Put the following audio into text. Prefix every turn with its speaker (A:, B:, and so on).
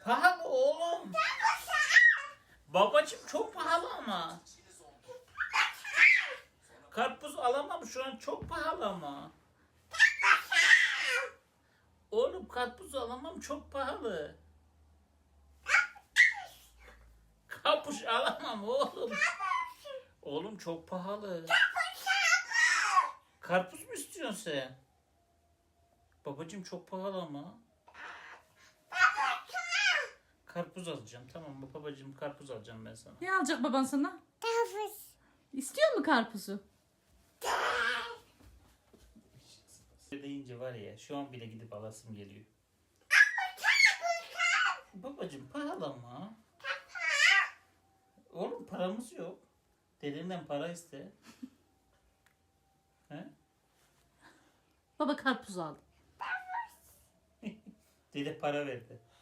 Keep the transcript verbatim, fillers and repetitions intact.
A: Pahalı oğlum. Babacım çok pahalı ama. Karpuz alamam şu an, çok pahalı ama. Oğlum karpuz alamam, çok pahalı. Karpuz alamam oğlum. Oğlum çok pahalı. Karpuz mu istiyorsun sen? Babacım çok pahalı ama. Karpuz alacağım, tamam mı babacım, karpuz alacağım ben sana.
B: Ne alacak baban sana?
C: Karpuz.
B: İstiyor mu karpuzu?
A: Deyince var ya, şu an bile gidip alasım geliyor. Babacım pahalı ama. Oğlum paramız yok. Dedemden para iste. He?
B: Baba karpuz aldı.
A: Dede para verdi.